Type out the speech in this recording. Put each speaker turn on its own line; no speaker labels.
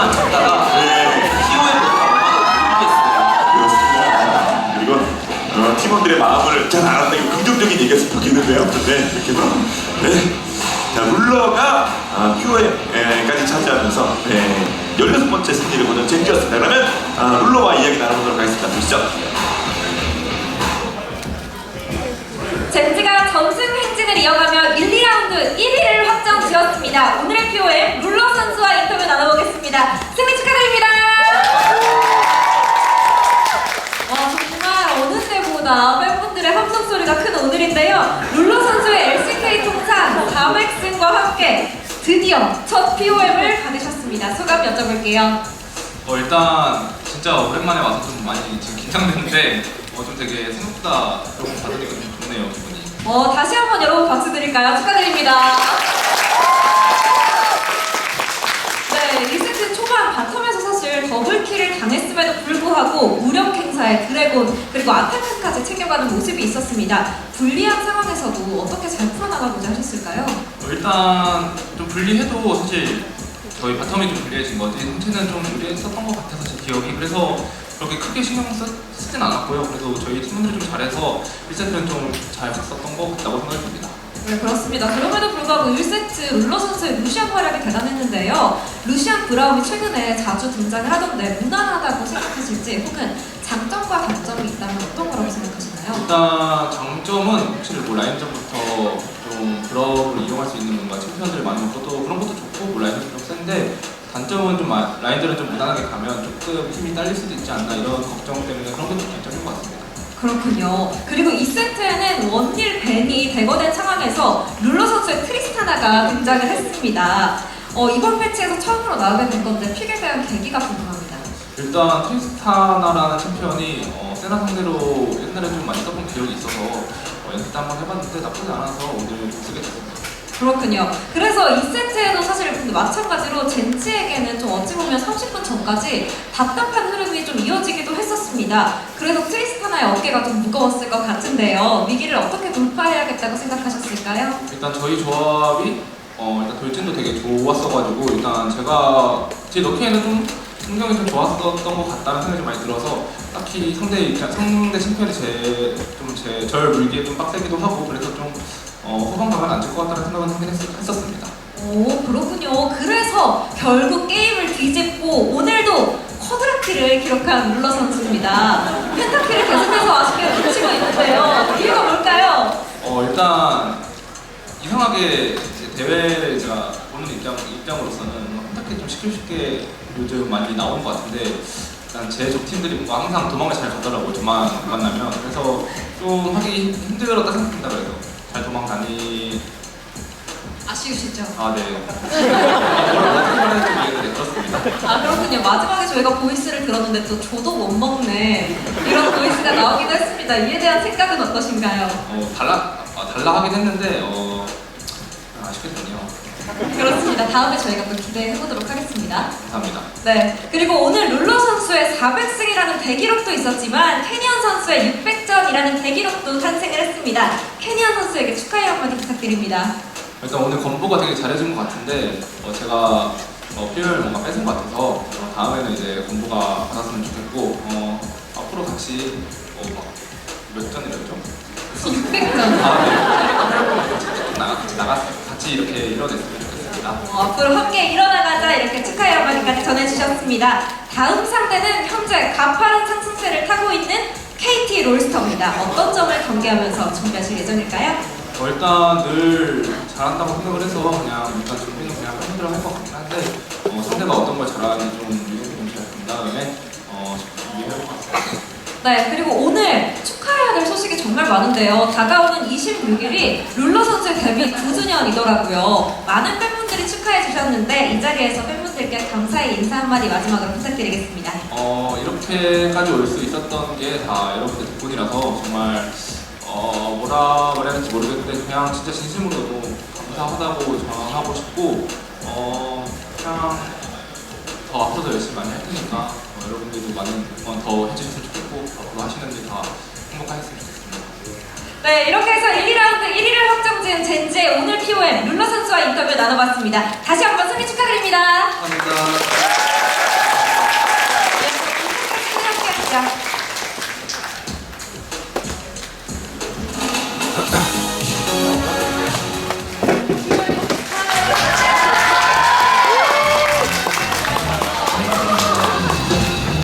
안 쳤다가
네.
POM도 가고
그렇습니다. 그리고 팀원들의 마음을 잘 알았다. 이거 긍정적인 얘기였으면 좋겠는데요. 네, 이렇게 해서 네. 자, 룰러가 POM까지 차지하면서 16번째 승리를 거둔 젠지였습니다. 그러면 룰러와 이야기 나눠보도록 하겠습니다. 보시죠.
젠지가 전승 행진을 이어가며 1, 2라운드 1위를 확정 지었습니다. 오늘의 POM 룰러 선수와 인터뷰 나눠보겠습니다. 승리 축하드립니다. 정말 어느 때보다 팬분들의 함성 소리가 큰 오늘인데요. 룰러 선수의 LCK 통산 400승과 함께 드디어 첫 POM을 받으셨습니다. 소감 여쭤볼게요.
일단 진짜 오랜만에 와서 좀 많이 지금 긴장되는데 좀 되게 생각보다 조금 받으니까 좀 좋네요, 기분이.
다시 한번 여러분 박수 드릴까요? 축하드립니다. 네, 1세트 초반 바텀에서 사실 더블킬을 당했음에도 불구하고 무력 행사에 드래곤 그리고 아타크까지 챙겨가는 모습이 있었습니다. 불리한 상황에서도 어떻게 잘 풀어나가고자 하셨을까요?
일단 좀 불리해도 사실 저희 바텀이 좀 불리해진 거지 전체는 좀 유리했었던 것 같아서 제 기억이. 그래서 그렇게 크게 신경 쓰진 않았고요. 그래도 저희 팀원들이 좀 잘해서 1세트는 좀 잘 갔었던 것 같다고 생각이 듭니다.
네, 그렇습니다. 그럼에도 불구하고 1세트 룰러 선수의 루시안 활약이 대단했는데요. 루시안 브라움이 최근에 자주 등장을 하던데 무난하다고 생각하실지 혹은 장점과 단점이 있다면 어떤 거라고 생각하시나요?
일단 장점은 확실히 라인전부터 좀 브라움을 이용할 수 있는 뭔가 챔피언들을 많이 먹고 그런 것도 좋고 라인전이 좀 센데 단점은 좀 라인전을 좀 무난하게 가면 조금 힘이 딸릴 수도 있지 않나 이런 걱정 때문에 그런 게 좀 단점인 것 같습니다.
그렇군요. 그리고 2세트에는 원딜 벤이 대거된 상황에서 룰러 선수의 트리스타나가 등장을 했습니다. 이번 패치에서 처음으로 나오게 된 건데 픽에 대한 계기가 궁금합니다.
일단 트리스타나라는 챔피언이 세나 상대로 옛날에 좀 많이 써본 기억이 있어서 연습 때 한번 해봤는데 나쁘지 않아서 오늘 쓰게 됐습니다.
그렇군요. 그래서 2세트에도 사실 근데 마찬가지로 젠지에게는 좀 어찌 보면 30분 전까지 답답한 흐름이 좀 이어지기도 했었습니다. 그래서 트리스타나의 어깨가 좀 무거웠을 것 같은데요. 위기를 어떻게 돌파해야겠다고 생각하셨을까요?
일단 저희 조합이 일단 돌진도 되게 좋았어가지고 일단 제가 제 넣기에는 좀 풍경이 좀 좋았었던 것 같다는 생각이 좀 많이 들어서 딱히 상대 챔피언이 절 물기에 좀 빡세기도 하고 그래서 좀 후반 가면 안 질 것 같다는 생각은 하긴 했었습니다.
오, 그렇군요. 그래서 결국 게임을 뒤집고 오늘도 쿼드라킬을 기록한 룰러 선수입니다. 펜타킬을 계속해서 아쉽게 놓치고 있는데요. 이유가 뭘까요?
일단 이상하게 대회를 제가 보는 입장으로서는 펜타킬 좀 쉽게 요즘 많이 나오는 것 같은데 일단 제 족팀들이 뭔가 항상 도망을 잘 가더라고요. 저만 만나면. 그래서 좀 하기 힘들었다 생각합니다. 그래서 잘 도망다니...
아쉬우시죠?
네. 어떻게 들었습니다.
그렇군요. 마지막에 저희가 보이스를 들었는데 또 저도 못 먹네 이런 보이스가 나오기도 했습니다. 이에 대한 생각은 어떠신가요?
달라 하긴 했는데 아쉽게 됐네요.
그렇습니다. 다음에 저희가 또 기대해보도록 하겠습니다.
감사합니다.
네, 그리고 오늘 룰러 선수의 400승이라는 대기록도 있었지만 캐니언 선수의 600전이라는 대기록도 탄생을 했습니다. 캐니언 선수에게 축하의 한마디 부탁드립니다.
일단 오늘 건보가 되게 잘해준 것 같은데 제가 필요를 뭔가 뺏은 것 같아서 다음에는 이제 건보가 받았으면 좋겠고 앞으로 같이 몇 전이랬죠?
600전.
같이 이렇게 이뤄냈으면 좋겠습니다.
앞으로 함께 일어나가자 이렇게 축하의 한마디까지 전해주셨습니다. 다음 상대는 현재 가파른 상승세를 타고 있는 KT 롤스터입니다. 어떤 점을 경계하면서 준비하실 예정일까요?
일단 늘 잘한다고 생각을 해서 그냥 일단 준비는 그냥 팬들을 할 것 같긴 한데 상대가 어떤 걸 잘하는지 좀 미리 본 다음에 준비해볼 것 같습니다.
네, 그리고 오늘 축하해야 될 소식이 정말 많은데요. 다가오는 26일이 룰러 선수의 데뷔 9주년이더라고요. 많은 팬분들이 축하해 주셨는데 이 자리에서 팬분들께 감사의 인사 한마디 마지막으로 부탁드리겠습니다.
이렇게까지 올 수 있었던 게 다 여러분들 덕분이라서 정말 뭐라 말해야 할지 모르겠는데 그냥 진짜 진심으로도 감사하다고 전하고 싶고 그냥 더 앞으로도 열심히 많이 할 테니까 여러분들도 많은 응원 더 해주셨으면 좋겠고 앞으로 하시는 일 다 행복하셨으면 좋겠습니다.
네, 이렇게 해서 1, 2라운드 1위를 확정지은 젠지의 오늘 POM 룰러 선수와 인터뷰 나눠봤습니다. 다시 한번 승리 축하드립니다.
감사합니다.